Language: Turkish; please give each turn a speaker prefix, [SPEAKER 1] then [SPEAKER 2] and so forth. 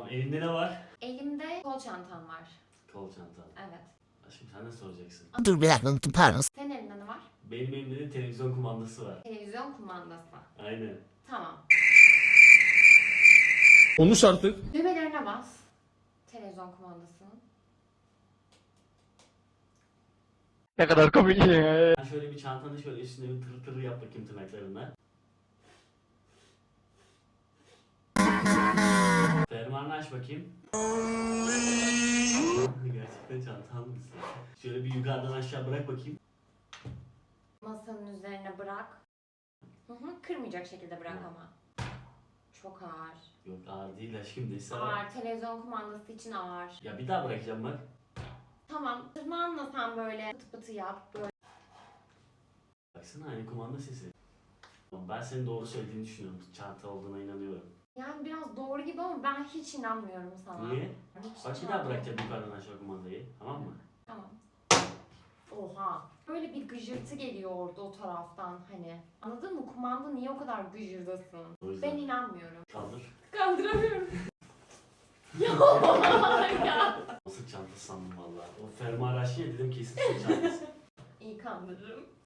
[SPEAKER 1] Elinde ne var?
[SPEAKER 2] Elimde kol çantam var.
[SPEAKER 1] Kol çantan.
[SPEAKER 2] Evet.
[SPEAKER 1] Aşkım sen ne soracaksın?
[SPEAKER 3] Dur bir dakika, pardon.
[SPEAKER 2] Senin elinde ne var?
[SPEAKER 1] Benim elimde de televizyon kumandası var.
[SPEAKER 2] Televizyon kumandası.
[SPEAKER 1] Aynen.
[SPEAKER 2] Tamam.
[SPEAKER 4] Konuş artık.
[SPEAKER 2] Düğmelerine bas. Televizyon kumandasının.
[SPEAKER 4] Ne kadar komik ya.
[SPEAKER 1] Sen şöyle bir çantanı şöyle üstüne bir tır tır yap bakayım tırnaklarına. Fermuarını aç bakayım. Gerçekten çantan mısın? Şöyle bir yukarıdan aşağı bırak bakayım.
[SPEAKER 2] Masanın üzerine bırak. Kırmayacak şekilde bırak ama. Çok ağır.
[SPEAKER 1] Yok ağır değil aşkım neyse.
[SPEAKER 2] Ağır. Televizyon kumandası için ağır.
[SPEAKER 1] Ya bir daha bırakacağım bak.
[SPEAKER 2] Tamam. Tırnağınla sen böyle pıtı pıtı yap. Böyle.
[SPEAKER 1] Baksana aynı kumanda sesi. Ben senin doğru söylediğini düşünüyorum. Çanta olduğuna inanıyorum.
[SPEAKER 2] Yani biraz doğru gibi ama ben hiç inanmıyorum sana.
[SPEAKER 1] Niye?
[SPEAKER 2] Hiç
[SPEAKER 1] Bak bir daha bırakacağım yukarıdan aşağı kumandayı. Tamam mı?
[SPEAKER 2] Tamam. Oha. Böyle bir gıcırtı geliyor orada o taraftan hani. Anladın mı? Kumanda niye o kadar gıcırdasın?
[SPEAKER 1] O yüzden.
[SPEAKER 2] Ben inanmıyorum.
[SPEAKER 1] Kaldır.
[SPEAKER 2] Kaldıramıyorum. ya.
[SPEAKER 1] Nasıl çanta sandım valla. O fermuar açınca dedim kesin sırt çantası.
[SPEAKER 2] İyi kandırırım.